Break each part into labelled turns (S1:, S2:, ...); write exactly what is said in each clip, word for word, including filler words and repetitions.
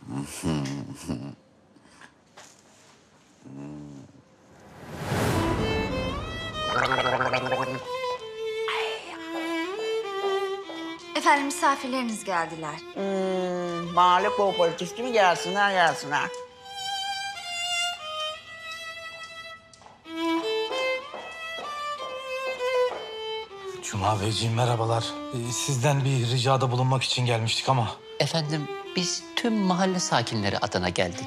S1: Efendim misafirleriniz geldiler.
S2: Hmm, mahalle kooperatifi mi gelsinler gelsinler.
S3: Cuma Beyciğim merhabalar. Ee, sizden bir ricada bulunmak için gelmiştik ama...
S4: Efendim biz tüm mahalle sakinleri adına geldik.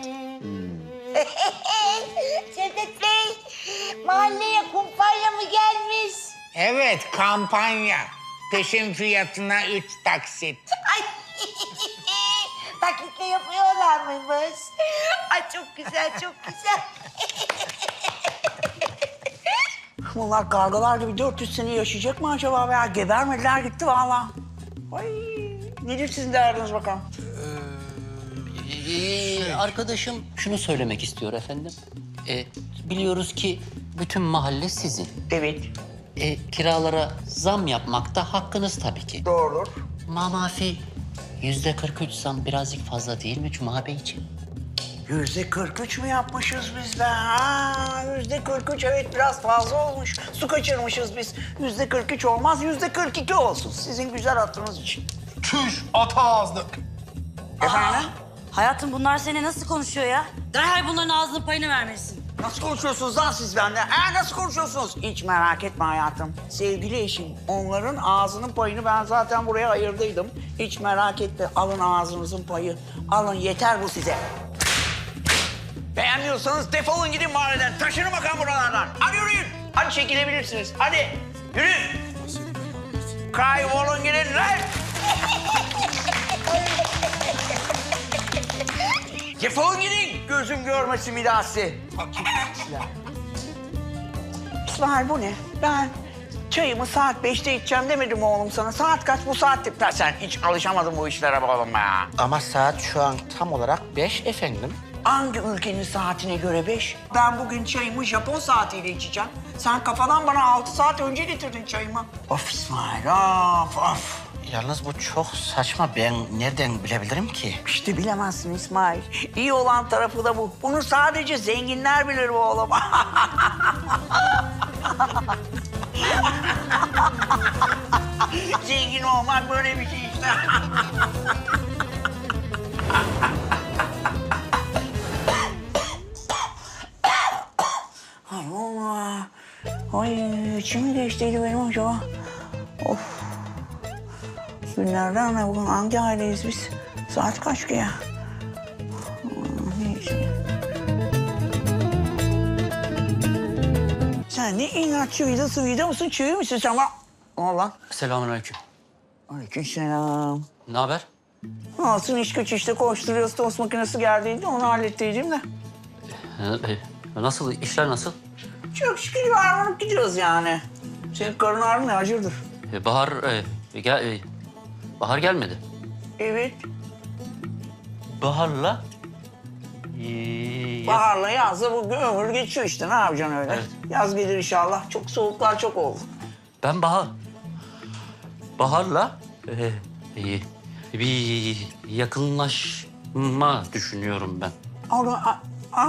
S5: Cevdet Bey, mahalleye kumpanya mı gelmiş?
S6: Evet, kampanya. Peşin fiyatına üç taksit.
S5: Ay, takitle yapıyorlar mıymış? Ay çok güzel, çok güzel.
S2: Bunlar kargalar gibi dört yüz sene yaşayacak mı acaba veya gebermediler gitti vallahi. Ay, nedir sizin derdiniz bakalım?
S4: Ee, arkadaşım şunu söylemek istiyor efendim. Ee, biliyoruz ki bütün mahalle sizin.
S2: Evet,
S4: Ee, kiralara zam yapmakta hakkınız tabii ki.
S2: doğrudur.
S4: Mamafi yüzde kırk üç zam birazcık fazla değil mi Cuma Beyciğim?
S2: Yüzde kırk üç mü yapmışız biz de? Ha, yüzde kırk üç evet biraz fazla olmuş. Su kaçırmışız biz. Yüzde kırk üç olmaz, yüzde kırk iki olsun. Sizin güzel hatırınız için.
S3: Çüş, ata ağızlık.
S2: Efendim?
S7: Hayatım bunlar seninle nasıl konuşuyor ya? Derhal bunların ağzının payını vermelisin.
S2: Nasıl konuşuyorsunuz lan siz benden? Ha, nasıl konuşuyorsunuz? Hiç merak etme hayatım. Sevgili eşim, onların ağzının payını ben zaten buraya ayırdıydım. Hiç merak etme, alın ağzınızın payı. Alın, yeter bu size. Beğenmiyorsanız defolun gidin mahalleden. Taşının bakalım buralardan. Hadi yürüyün. Hadi çekilebilirsiniz. Hadi yürüyün. Kaybolun gidin lan. Defolun gidin. Gözüm görmesin bir daha sizi. İsmail bu ne? Ben çayımı saat beşte içeceğim demedim mi oğlum sana? Saat kaç bu saatte? Sen hiç alışamadın bu işlere be oğlum ya.
S6: Ama saat şu an tam olarak beş efendim.
S2: Hangi ülkenin saatine göre beş? Ben bugün çayımı Japon saatiyle içeceğim. Sen kafadan bana altı saat önce getirdin çayımı. Of İsmail, of of.
S6: Yalnız bu çok saçma. Ben nereden bilebilirim ki?
S2: İşte bilemezsin İsmail. İyi olan tarafı da bu. Bunu sadece zenginler bilir bu oğlum. Zengin olmak böyle bir şey işte. Ay Allah. Ay içim geçtiydi benim acaba. Of. Günlerden ne bugün hangi aileyiz biz? Saat kaç ki ya? Neyse. Sen ne inatçı vidası vida mısın? Çığır mısın sen bana? Allah.
S4: Selamünaleyküm.
S2: Aleykümselam.
S4: Ne haber?
S2: Olsun iş güç işte koşturuyoruz. Tost makinesi geldiydi onu hallettiydim de.
S4: Ee, e, nasıl, işler nasıl?
S2: Çok şükür varmanıp gidiyoruz yani. Senin karın ağrın ne acırdır?
S4: Ee, Bahar, e, gel, e, Bahar gelmedi.
S2: Evet.
S4: Bahar'la... E, ya-
S2: Baharla yazla bu ömür geçiyor işte. Ne yapacaksın öyle?
S4: Evet.
S2: Yaz gelir inşallah. Çok soğuklar çok oldu.
S4: Ben Bahar... Bahar'la e, e, bir yakınlaşma düşünüyorum ben.
S2: Aa,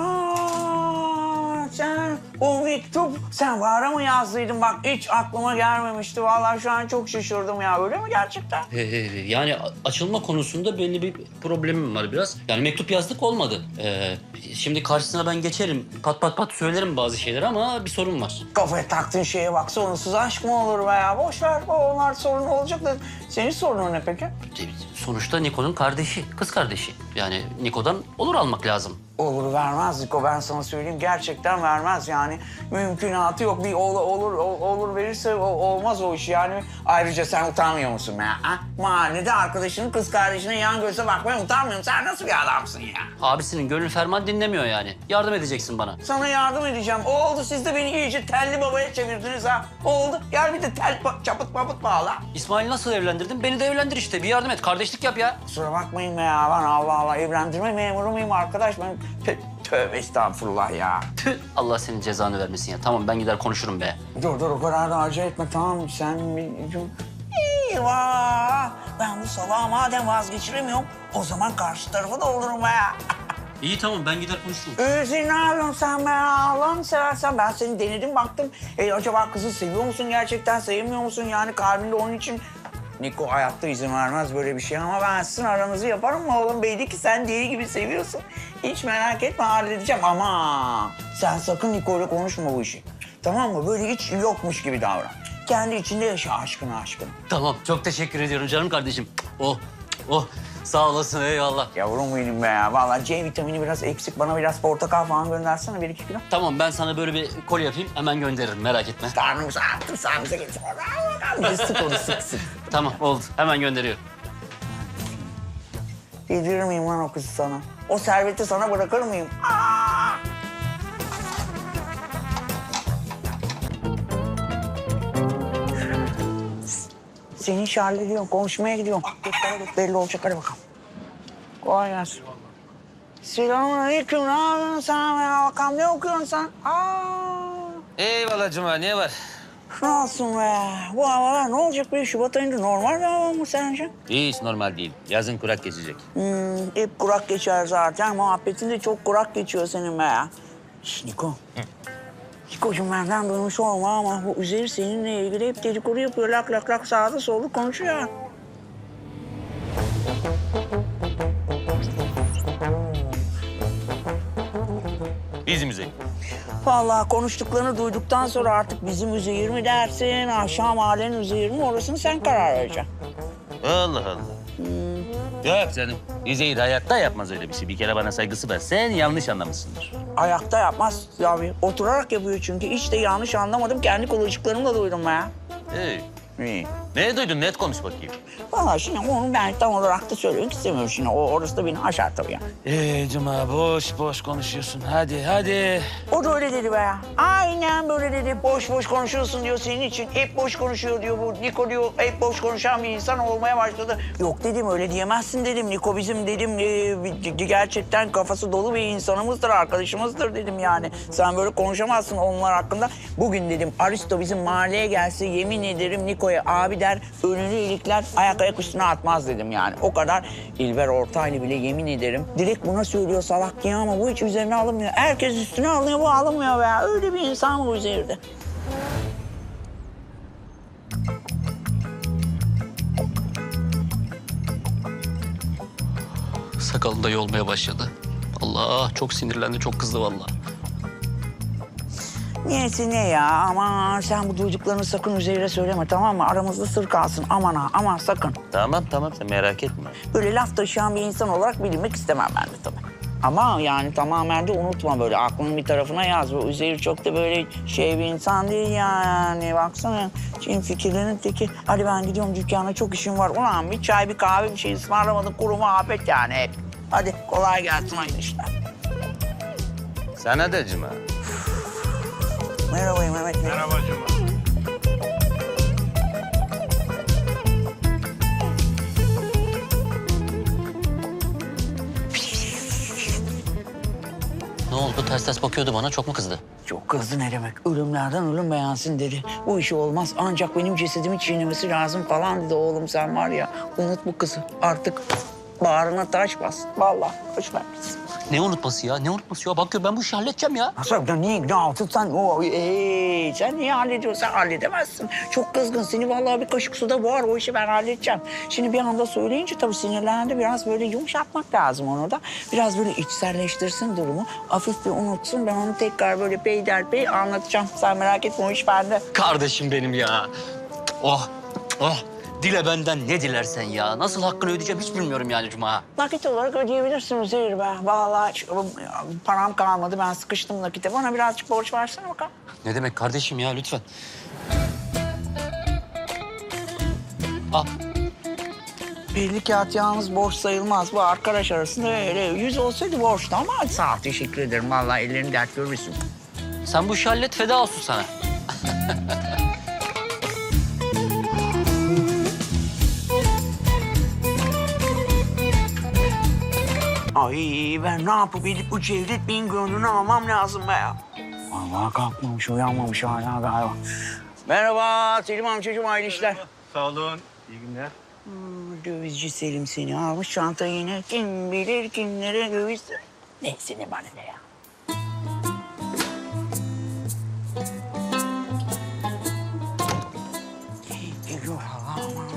S2: aa, sen o mektup sen Bahar'a mı yazdıydın? Bak hiç aklıma gelmemişti. Vallahi şu an çok şaşırdım ya. Öyle mi gerçekten?
S4: Ee, yani a- açılma konusunda belli bir problemim var biraz. Yani mektup yazdık olmadı. Ee, şimdi karşısına ben geçerim, pat pat pat söylerim bazı şeyleri ama bir sorun var.
S2: Kafaya taktığın şeye bak. Sorunsuz aşk mı olur be ya? Boş ver. Onlar sorun olacak da. Senin sorunun ne peki?
S4: Ee, Sonuçta Niko'nun kardeşi, kız kardeşi. Yani Niko'dan olur almak lazım.
S2: Olur vermez Niko, ben sana söyleyeyim. Gerçekten vermez yani. Mümkünatı yok. Bir ol, olur ol- olur verirse o- olmaz o iş yani. Ayrıca sen utanmıyor musun be ya? Ha? Mahallede arkadaşının kız kardeşine yan göze bakmaya utanmıyor musun? Sen nasıl bir adamsın ya?
S4: Abisinin gönül ferman dinlemiyor yani. Yardım edeceksin bana.
S2: Sana yardım edeceğim. O oldu, siz de beni iyice telli babaya çevirdiniz ha. Oldu. Gel bir de tel pa- çaput paput bağla.
S4: İsmail nasıl evlendirdin? Beni de evlendir işte. Bir yardım et, kardeşlik yap ya.
S2: Kusura bakmayın be ya. Ben Allah Allah evlendirme memuru muyum arkadaş? Ben Tö- tövbe estağfurullah ya.
S4: Tüh, Allah senin cezanı vermesin ya. Tamam ben gider konuşurum be.
S2: Dur dur o kadar da acele etme tamam mı? Sen bir... İyi Eyvah! Ben bu salağı madem vazgeçiremiyorum, o zaman karşı tarafı da olurum be.
S4: İyi tamam ben gider konuşurum.
S2: Özür ne yapıyorsun sen be? Allah'ını seversen ben seni denedim baktım. E, acaba kızı seviyor musun gerçekten, sevmiyor musun? Yani kalbinde onun için... Niko hayatta izin vermez böyle bir şey ama ben sizin aranızı yaparım mı oğlum? Belli ki sen deli gibi seviyorsun. Hiç merak etme halledeceğim ama sen sakın Niko'yla konuşma bu işi. Tamam mı? Böyle hiç yokmuş gibi davran. Kendi içinde yaşa aşkını aşkını.
S4: Tamam çok teşekkür ediyorum canım kardeşim. Oh oh sağ olasın eyvallah.
S2: Yavrum benim be ya. Vallahi C vitamini biraz eksik. Bana biraz portakal falan göndersene bir iki kilo.
S4: Tamam ben sana böyle bir kol yapayım hemen gönderirim merak etme.
S2: Karnımızı attım sağımıza getir. Bizi sık onu sık sık.
S4: Tamam oldu hemen gönderiyorum.
S2: Yedirir miyim lan o kızı sana? O serveti sana bırakır mıyım? Aa! Seni iş hallediyorum. Konuşmaya gidiyorum. Göklere git belli olacak. Hadi bakalım. Kolay gelsin. Selamünaleyküm. Ne yapıyorsun sen ya? Bakalım ne okuyorsun sen? Aa!
S8: Eyvallah Cuma, ne var?
S2: Ne olsun be? Bu havalar ne olacak be? Şubat ayında normal bir hava mı sence?
S8: Hiç normal değil. Yazın kurak geçecek.
S2: Hmm, hep kurak geçer zaten. Muhabbetin de çok kurak geçiyor senin be ya. Şş, Niko. Nikocuğum benden duymuş olma ama bu Üzeyir seninle ilgili hep dedikodu yapıyor. Lak lak lak sağda solda konuşuyor.
S8: Bizim Üzeyir.
S2: Vallahi konuştuklarını duyduktan sonra artık bizim Üzeyir mi dersin, aşağı mahallenin Üzeyir mi orasını sen karar vereceksin.
S8: Allah Allah. Yok canım. Üzeyir hayatta yapmaz öyle bir şey. Bir kere bana saygısı var. Sen yanlış anlamışsındır.
S2: Ayakta yapmaz abi. Oturarak yapıyor çünkü. Hiç de yanlış anlamadım. Kendi kulacıklarımla duydum be ya.
S8: Hey.
S2: İyi.
S8: Ne duydun? Net konuş bakayım.
S2: Vallahi şimdi onu ben tam olarak da söylemek istemiyorum şimdi. O, orası da beni aşar tabii ya.
S8: Ee Cuma, boş boş konuşuyorsun. Hadi, hadi.
S2: O da öyle dedi be ya. Aynen böyle dedi. Boş boş konuşuyorsun diyor senin için. Hep boş konuşuyor diyor bu. Niko diyor hep boş konuşan bir insan olmaya başladı. Yok dedim öyle diyemezsin dedim. Niko bizim dedim e, gerçekten kafası dolu bir insanımızdır, arkadaşımızdır dedim yani. Sen böyle konuşamazsın onlar hakkında. Bugün dedim Aristo bizim mahalleye gelse yemin ederim Niko'ya abi der, önünü ilikler, ayak ayak üstüne atmaz dedim yani. O kadar İlber Ortaylı bile yemin ederim. Direkt buna söylüyor salak diye ama bu hiç üzerine alınmıyor. Herkes üstüne alınıyor, bu alınmıyor be. Öyle bir insan bu Üzeyir'de.
S4: Sakalı da yolmaya başladı. Allah çok sinirlendi çok kızdı vallahi.
S2: Niyesi ne ya? Aman sen bu duyduklarını sakın Üzeyir'e söyleme tamam mı? Aramızda sır kalsın. Aman ha aman sakın.
S8: Tamam, tamam. Sen merak etme.
S2: Böyle laf taşıyan bir insan olarak bilinmek istemem ben de tabii. Ama yani tamamen de unutma böyle aklının bir tarafına yaz. Bu Üzeyir çok da böyle şey bir insan değil yani. Baksana şimdi fikirlerin teki. Hadi ben gidiyorum dükkana çok işim var. Ulan bir çay bir kahve bir şey ısmarlamadım kuru muhabbet yani hep. Hadi kolay gelsin hayırlı işler.
S8: Sana da Cuma.
S2: Merhaba Mehmet Bey.
S3: Merhaba Cuma.
S4: Ne oldu ters ters bakıyordu bana çok mu kızdı?
S2: Çok kızdı ne demek? Ölümlerden ölüm beğensin dedi. Bu işi olmaz ancak benim cesedimi çiğnemesi lazım falan dedi. Oğlum sen var ya unut bu kızı. Artık bağrına taş bas. Vallahi hoş vermesin.
S4: Ne unutması ya ne unutması ya bak gör ben bu işi halledeceğim ya.
S2: Nasıl? Ya niye? Ne altın sen? O, ee, sen niye hallediyorsun? Sen halledemezsin. Çok kızgın. Seni vallahi bir kaşık suda boğar. O işi ben halledeceğim. Şimdi bir anda söyleyince tabii sinirlendi. Biraz böyle yumuşatmak lazım onu da. Biraz böyle içselleştirsin durumu. Hafif bir unutsun. Ben onu tekrar böyle peyderpey anlatacağım. Sen merak etme o iş bende.
S4: Kardeşim benim ya. Oh oh dile benden ne dilersen ya. Nasıl hakkını ödeyeceğim hiç bilmiyorum yani Cuma.
S2: Nakit olarak ödeyebilirsin Üzeyir be. Vallahi hiç, param kalmadı. Ben sıkıştım nakite. Bana birazcık borç versene bakalım.
S4: Ne demek kardeşim ya lütfen. Al.
S2: Belli kağıt yalnız borç sayılmaz. Bu arkadaş arasında öyle yüz olsaydı borçtu ama sağ ol teşekkür ederim. Vallahi ellerini dert görürsün.
S4: Sen bu işi hallet feda olsun sana.
S2: Ay ben ne yapıp edip bu Cevdet Bey'in gönlünü almam lazım be ya. Vallahi kalkmamış, uyanmamış hala galiba. Merhaba Selim amcacığım, hayırlı işler.
S3: Sağ olun. İyi günler.
S2: Hmm, dövizci Selim seni almış çantayı yine. Kim bilir kimlere döviz... Neyse ne bana ne ya. Geliyor ama.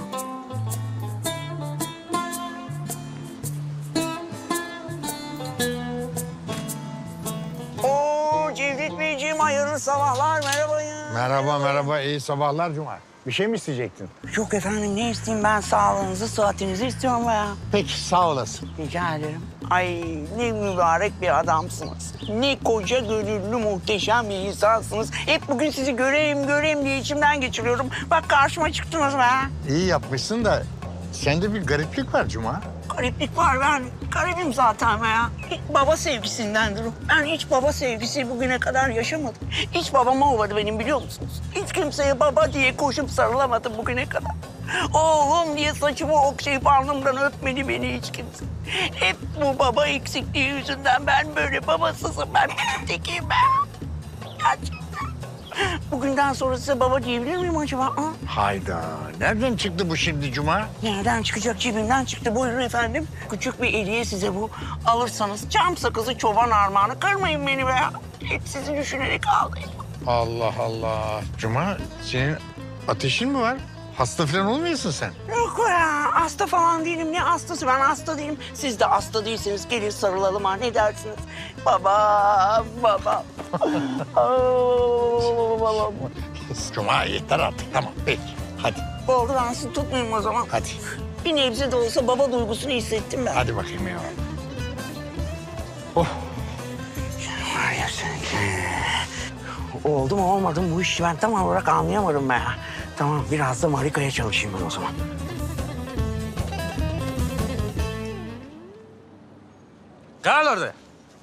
S2: Oo Cevdet Beyciğim hayırlı sabahlar merhaba ya.
S9: Merhaba merhaba iyi sabahlar Cuma. Bir şey mi isteyecektin?
S2: Yok efendim ne isteyeyim ben sağlığınızı sıhhatinizi istiyorum ya.
S9: Peki sağ olasın.
S2: Rica ederim. Ay ne mübarek bir adamsınız. Ne koca gönüllü muhteşem bir insansınız. Hep bugün sizi göreyim göreyim diye içimden geçiriyorum. Bak karşıma çıktınız be.
S9: İyi yapmışsın da sende bir gariplik var Cuma.
S2: Gariplik var ben garibim zaten be ya. Hiç baba sevgisindendir o. Ben hiç baba sevgisi bugüne kadar yaşamadım. Hiç babam olmadı benim biliyor musunuz? Hiç kimseye baba diye koşup sarılamadım bugüne kadar. Oğlum diye saçımı okşayıp alnımdan öpmedi beni hiç kimse. Hep bu baba eksikliği yüzünden ben böyle babasızım. Ben benim tekiyim ben. Gerçekten. Bugünden sonra size baba diyebilir miyim acaba? Ha?
S9: Hayda. Nereden çıktı bu şimdi Cuma?
S2: Nereden çıkacak? Cebimden çıktı. Buyurun efendim. Küçük bir hediye size bu. Alırsanız cam sakızı çoban armağanı. Kırmayın beni be. Hep sizi düşünerek aldım.
S9: Allah Allah. Cuma senin ateşin mi var? Hasta falan olmuyorsun sen.
S2: Yok ya. Hasta falan değilim. Ne hastası? Ben hasta değilim. Siz de hasta değilseniz gelin sarılalım ha. Ne dersiniz? Baba, baba. Babam.
S9: Cuma yeter artık tamam peki hadi.
S2: Oldu ben sizi tutmayayım o zaman.
S9: Hadi.
S2: Bir nebze de olsa baba duygusunu hissettim ben.
S9: Hadi bakayım ya.
S2: Var ya sen. Oldu mu olmadı mı bu işi ben tam olarak anlayamadım ben ya. Tamam biraz da Marika'ya çalışayım ben o zaman.
S8: Kal orada.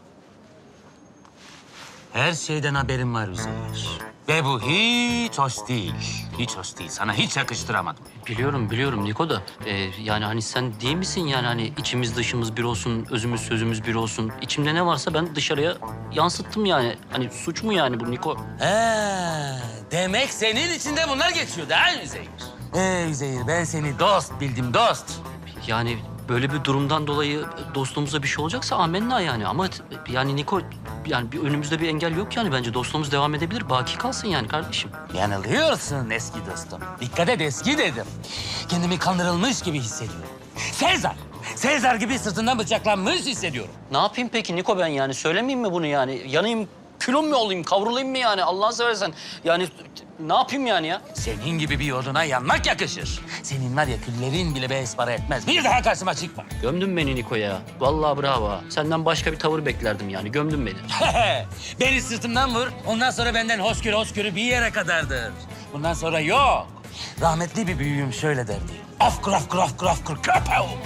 S8: Her şeyden haberim var Üzeyir. Ve bu hiç hoş değil. Hiç hoş değil. Sana hiç yakıştıramadım.
S4: Biliyorum biliyorum Niko da ee, yani hani sen değil misin yani hani içimiz dışımız bir olsun, özümüz sözümüz bir olsun. İçimde ne varsa ben dışarıya yansıttım yani. Hani suç mu yani bu Niko?
S8: Ha, demek senin içinde bunlar geçiyor değil mi Üzeyir? Ee Üzeyir ben seni dost bildim dost.
S4: Yani böyle bir durumdan dolayı dostluğumuza bir şey olacaksa amenna yani. Ama t- yani Niko yani bir önümüzde bir engel yok yani. Bence dostluğumuz devam edebilir. Baki kalsın yani kardeşim.
S8: Yanılıyorsun eski dostum. Dikkat et eski dedim. Kendimi kandırılmış gibi hissediyorum. Sezar, Sezar gibi sırtından bıçaklanmış hissediyorum.
S4: Ne yapayım peki Niko ben yani? Söylemeyeyim mi bunu yani? Yanayım, külüm mü olayım, kavrulayım mı yani? Allah'ını seversen. Yani ne yapayım yani ya?
S8: Senin gibi bir oduna yanmak yakışır. Senin var ya küllerin bile beş para etmez. Bir daha karşıma çıkma.
S4: Gömdün beni Niko ya. Vallahi bravo. Senden başka bir tavır beklerdim yani. Gömdün beni.
S8: Beni sırtımdan vur. Ondan sonra benden hoşgörü hoşgörü bir yere kadardır. Bundan sonra yok. Rahmetli bir büyüğüm şöyle derdi. Af kraf kraf kraf kraf köpeğim.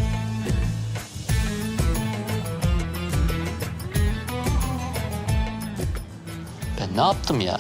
S4: Ben ne yaptım ya?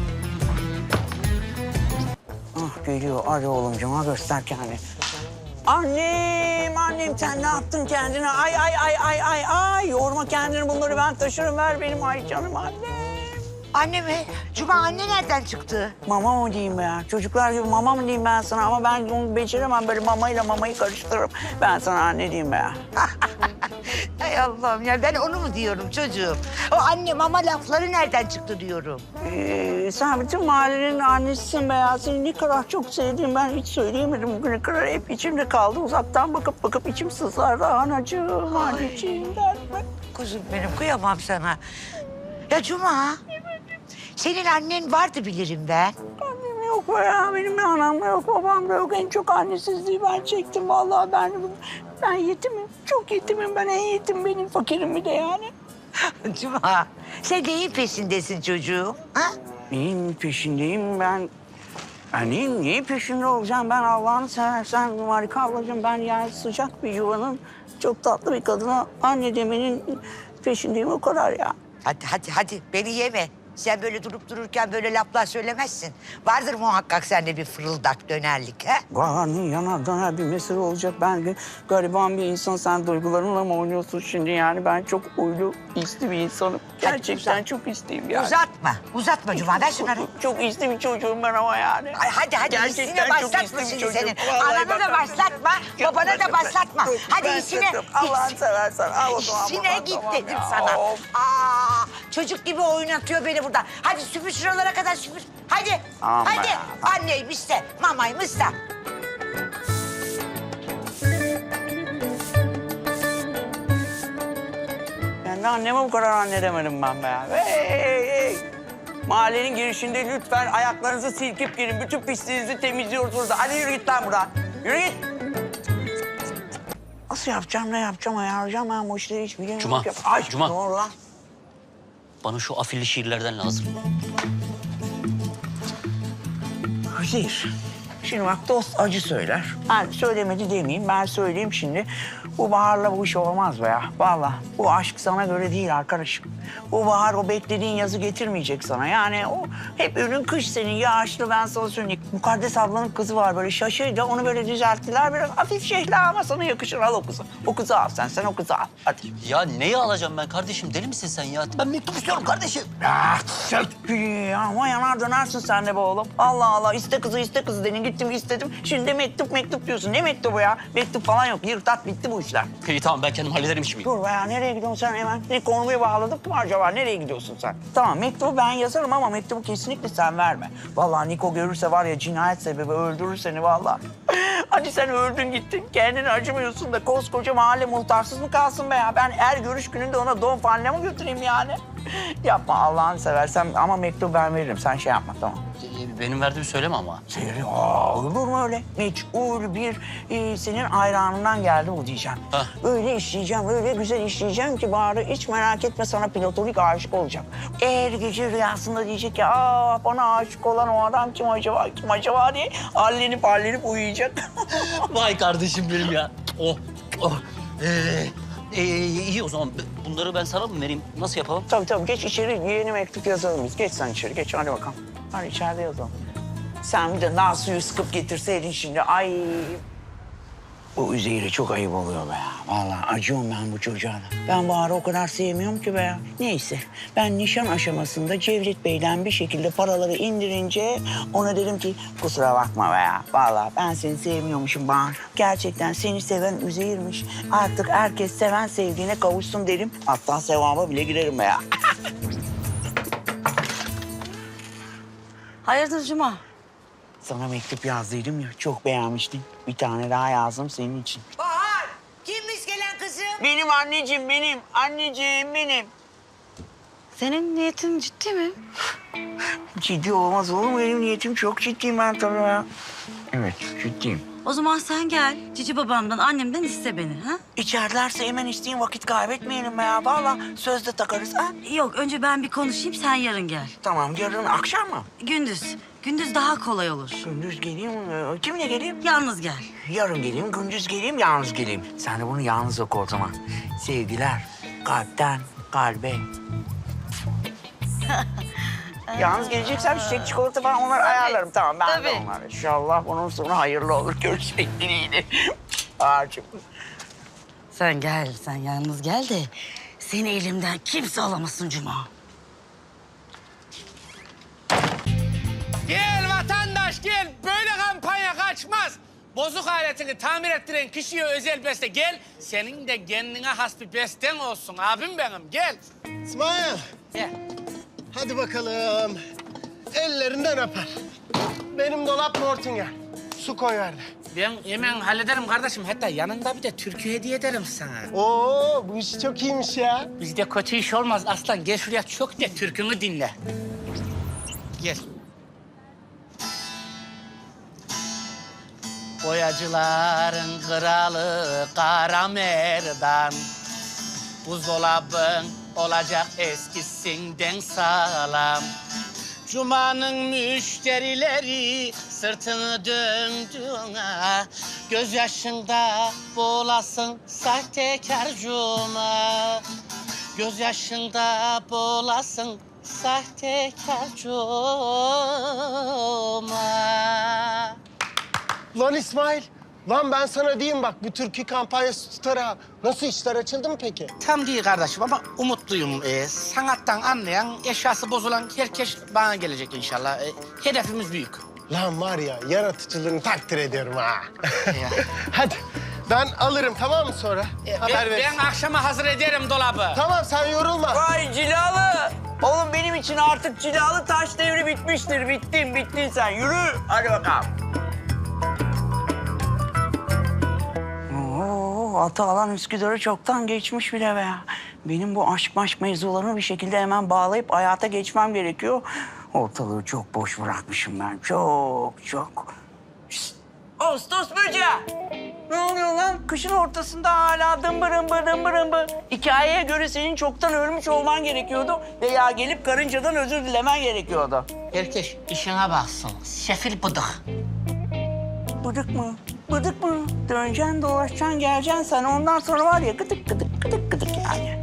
S2: Ah geliyor. Hadi oğlumcum ha göster kendini. Annem, annem sen ne yaptın kendine? Ay ay ay ay ay ay. Yorma kendini bunları ben taşırım. Ver benim ay canım annem.
S5: Anne mi? Cuma anne nereden çıktı?
S2: Mama mı diyeyim be ya? Çocuklar gibi mama mı diyeyim ben sana? Ama ben onu beceremem. Böyle mamayla mamayı karıştırırım. Ben sana anne diyeyim be ya.
S5: Ay Allah'ım ya ben onu mu diyorum çocuğum? O anne mama lafları nereden çıktı diyorum.
S2: Ee, sen bütün mahallenin annesisin be ya. Seni ne kadar çok sevdiğim ben hiç söyleyemedim bugüne kadar. Hep içimde kaldı. Uzaktan bakıp bakıp içim sızlardı. Anacığım, anneciğim derdim.
S5: Kuzum benim kıyamam sana. Ya Cuma. Senin annen vardı bilirim ben.
S2: Annem yok be ya. Benim de anam da yok, babam da yok. En çok annesizliği ben çektim. Vallahi ben, ben yetimim. Çok yetimim ben. En yetim benim. Fakirim bir de yani.
S5: Cuma sen neyin peşindesin çocuğum? Ha?
S2: Neyin peşindeyim ben? Ben neyin, neyin peşinde olacağım ben Allah'ını seversen Marika ablacığım. Ben yani sıcak bir yuvanın çok tatlı bir kadına anne demenin peşindeyim o kadar ya.
S5: Hadi hadi hadi beni yeme. Sen böyle durup dururken böyle laflar söylemezsin. Vardır muhakkak sende bir fırıldak dönerlik ha?
S2: Vay yanar döner bir mesele olacak. Ben de gariban bir insan. Sen duygularınla mı oynuyorsun şimdi? Yani ben çok uylu, isli bir insanım. Gerçekten
S5: uzat.
S2: çok isteyim yani.
S5: Uzatma. Uzatma Cuma. Ver şunları.
S2: Çok isli bir çocuğum ben ama yani.
S5: Ay hadi hadi
S2: Gerçekten
S5: işine
S2: çok
S5: başlatma
S2: isli bir
S5: şimdi
S2: çocuğum.
S5: senin.
S2: Vallahi
S5: Anana da
S2: bak-
S5: başlatma,
S2: Yok,
S5: babana da
S2: ben-
S5: başlatma.
S2: ben-
S5: Hadi
S2: ben
S5: işine.
S2: satarım. Allah'ını seversen al o zaman.
S5: İşine
S2: buradan,
S5: git
S2: tamam
S5: dedim
S2: ya.
S5: sana.
S2: Of.
S5: Aa, çocuk gibi oynatıyor beni burada. Hadi süpür şuralara kadar süpür. Hadi.
S2: Aman
S5: hadi.
S2: ya.
S5: Anneymiş de, mamaymış da.
S2: Ben de anneme bu kadar anne demedim ben be ya. Hey, hey, hey. Mahallenin girişinde lütfen ayaklarınızı silkip girin. Bütün pisliğinizi temizliyorsunuz. Hadi yürü git lan buradan. Yürü git. Nasıl yapacağım, ne yapacağım, ayarlayacağım ben bu işleri hiç bilmiyorum.
S4: Cuma,
S2: ki. Ay,
S4: Cuma.
S2: Ne oldu lan?
S4: Bana şu afilli şiirlerden lazım.
S2: Hayır. Şimdi bak dost acı söyler. Ben söylemedi demeyeyim, ben söyleyeyim şimdi. Bu Bahar'la bu iş olmaz be ya. Vallahi bu aşk sana göre değil arkadaşım. Bu Bahar o beklediğin yazı getirmeyecek sana. Yani o hep önün kış senin yağışlı ben sana söyleyeyim. Mukaddes ablanın kızı var böyle şaşırınca onu böyle düzelttiler. Biraz hafif şehla ama sana yakışır al o kızı. O kızı al sen, sen o kızı al. Hadi.
S4: Ya neyi alacağım ben kardeşim? Deli misin sen ya? Ben mektup istiyorum kardeşim.
S2: Ah, ya ama yanar dönersin sen de be oğlum. Allah Allah iste kızı iste kızı dedin gittim istedim. Şimdi de mektup mektup diyorsun. Ne mektubu ya? Mektup falan yok. Yırtat bitti bu işler.
S4: İyi tamam ben kendim hallederim işimi.
S2: Dur be ya nereye gidiyorsun sen hemen? Ne konuyu bağladık mı acaba? Nereye gidiyorsun sen? Tamam mektubu ben yazarım ama mektubu kesinlikle sen verme. Vallahi Niko görürse var ya cinayet sebebi öldürür seni vallahi. Hadi sen öldün gittin. Kendine acımıyorsun da koskoca mahalle muhtarsız mı kalsın be ya? Ben her görüş gününde ona don faline mi götüreyim yani? Yapma Allah'ını seversen ama mektubu ben veririm. Sen şey yapma tamam.
S4: Ee, Benim verdiğimi söyleme ama.
S2: Seyri, aa, olur mu öyle? Meçhul bir e, senin hayranından geldi bu diyeceğim.
S4: Hah.
S2: Öyle işleyeceğim, öyle güzel işleyeceğim ki Bahar'ı hiç merak etme sana platonik aşık olacak. Eğer gece rüyasında diyecek ki aa bana aşık olan o adam kim acaba, kim acaba diye hallenip hallenip uyuyacak.
S4: Vay kardeşim benim ya. Oh, oh. Ee, ee, iyi o zaman bunları ben sana mı vereyim? Nasıl yapalım?
S2: Tabii tabii geç içeri yeni mektup yazalım biz. Geç sen içeri, geç hadi bakalım. Hadi içeride yazalım. Sen bir de nar suyu sıkıp getirseydin şimdi. Ay. Bu Üzeyir'e çok ayıp oluyor be ya. Vallahi acıyorum ben bu çocuğa da. Ben Bahar'ı o kadar sevmiyorum ki be ya. Neyse ben nişan aşamasında Cevdet Bey'den bir şekilde paraları indirince ona dedim ki kusura bakma be ya. Vallahi ben seni sevmiyormuşum Bahar. Gerçekten seni seven Üzeyir'miş. Artık herkes seven sevdiğine kavuşsun derim. Hatta sevaba bile girerim be ya.
S7: Hayırdır Cuma?
S2: Sana mektup yazdıydım ya çok beğenmiştin. Bir tane daha yazdım senin için.
S5: Bahar, kimmiş gelen kızım?
S2: Benim anneciğim benim. Anneciğim benim.
S7: Senin niyetin ciddi mi?
S2: Ciddi olmaz olur mu? Benim niyetim çok ciddiyim ben tabii ya. Evet ciddiyim.
S7: O zaman sen gel. Cici babamdan, annemden iste beni. Ha?
S2: İçerilerse hemen isteyin vakit kaybetmeyelim be ya. Vallahi sözde takarız ha.
S7: Yok, önce ben bir konuşayım, sen yarın gel.
S2: Tamam yarın akşam mı?
S7: Gündüz. Gündüz daha kolay olur.
S2: Gündüz geleyim. Ee, Kimle geleyim?
S7: Yalnız gel.
S2: Yarın geleyim, gündüz geleyim, yalnız geleyim. Sen de bunu yalnız oku o zaman. Sevgiler kalpten kalbe. Yalnız geleceksem çiçek, çikolata falan onları ayarlarım. Tamam ben de
S7: Tabii.
S2: onları. İnşallah bunun sonu hayırlı olur. Görüşmek dileğiyle. Ağacım.
S7: Sen gel, sen yalnız gel de seni elimden kimse alamasın Cuma.
S8: Gel vatandaş gel. Böyle kampanya kaçmaz. Bozuk aletini tamir ettiren kişiye özel beste. Gel, senin de kendine has bir besten olsun abim benim. Gel.
S10: İsmail,
S8: Gel.
S10: hadi bakalım. Ellerinden öper. Benim dolap Mortingen. Su koy verdi.
S8: Ben hemen hallederim kardeşim. Hatta yanında bir de türkü hediye ederim sana.
S10: Oo, bu iş çok iyiymiş ya.
S8: Bizde kötü iş olmaz aslan. Gel şuraya çok de türkünü dinle. Gel. Boyacıların kralı Kara Merdan. Buzdolabın olacak eskisinden sağlam. Cuma'nın müşterileri sırtını döndüğüne, gözyaşında boğulasın sahtekar Cuma.
S6: gözyaşında boğulasın sahtekar Cuma.
S10: Lan İsmail, lan ben sana diyeyim bak bu türkü kampanyası tutar ha. Nasıl işler açıldı mı peki?
S6: Tam değil kardeşim ama umutluyum. Ee, sanattan anlayan, eşyası bozulan herkes bana gelecek inşallah. Ee, hedefimiz büyük.
S10: Lan var ya yaratıcılığını takdir ediyorum ha.
S6: Ya.
S10: Hadi ben alırım tamam mı sonra?
S6: Ee,
S10: Haber
S6: ben,
S10: ver.
S6: ben akşama hazır ederim dolabı.
S10: Tamam sen yorulma.
S2: Vay cilalı. Oğlum benim için artık cilalı taş devri bitmiştir. Bittin, bittin sen. Yürü. Hadi bakalım. Oo, atı alan Üsküdar'ı çoktan geçmiş bile be. Benim bu aşk maşk mevzularını bir şekilde hemen bağlayıp hayata geçmem gerekiyor. Ortalığı çok boş bırakmışım ben. Çok, çok. Şişt! Ağustos böceği! Ne oluyor lan? Kışın ortasında hala dımbır ımbır dımbır ımbır. Hikayeye göre senin çoktan ölmüş olman gerekiyordu veya gelip karıncadan özür dilemen gerekiyordu.
S6: Herkes işine baksın. Sefil bıdık.
S2: Bıdık mı? Bıdık mı? Döneceksin, dolaşacaksın, geleceksin sen. Ondan sonra var ya gıdık gıdık gıdık gıdık yani.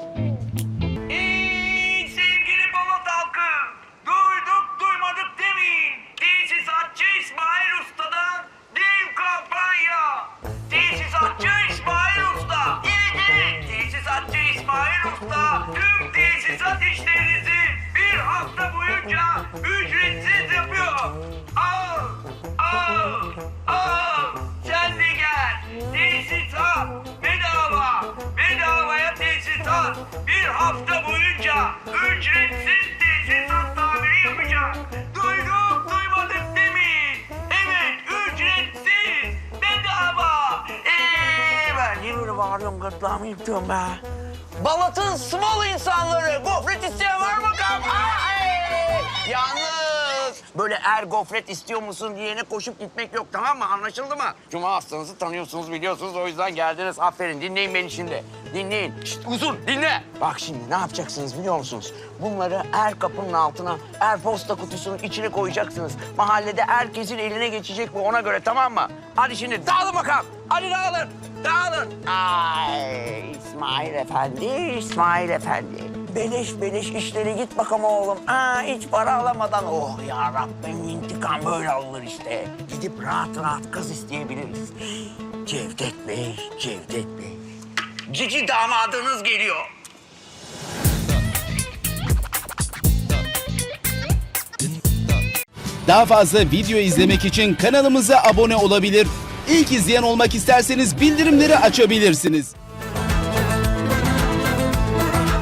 S2: Ey sevgili Balat halkı! Duyduk duymadık demeyin. Tesisatçı İsmail Usta'dan dev kampanya. Tesisatçı İsmail Usta. Evet evet. Tesisatçı İsmail Usta tüm tesisat işlerinizi bir hafta boyunca ücretsiz yapıyor. Al, al, al. Sen de gel. Tesisat bedava. Bedavaya tesisat. Bir hafta boyunca ücretsiz tesisat tamiri yapacak. Duyduk duymadık demeyin. Evet ücretsiz. Bedava. Eee ben niye böyle bağırıyorum gırtlağımı yırtıyorum be. Balat'ın small insanları. Gofret isteyen var mı bakalım? Aa, ey! Yalnız böyle er gofret istiyor musun diyene koşup gitmek yok tamam mı? Anlaşıldı mı? Cuma hastanızı tanıyorsunuz biliyorsunuz o yüzden geldiniz. Aferin dinleyin beni şimdi. Dinleyin. Şişt, uzun dinle. Bak şimdi ne yapacaksınız biliyor musunuz? Bunları er kapının altına, er posta kutusunun içine koyacaksınız. Mahallede herkesin eline geçecek bu ona göre tamam mı? Hadi şimdi dağılın bakalım. Hadi dağılın. Dağılın. Ay İsmail Efendi, İsmail Efendi. Beleş beleş işleri git bakalım oğlum. Aa, hiç para alamadan oh ya Rabbim intikam böyle alınır işte. Gidip rahat rahat kız isteyebiliriz. Cevdet Bey, Cevdet Bey. Cici damadınız geliyor.
S11: Daha fazla video izlemek için kanalımıza abone olabilir. İlk izleyen olmak isterseniz bildirimleri açabilirsiniz.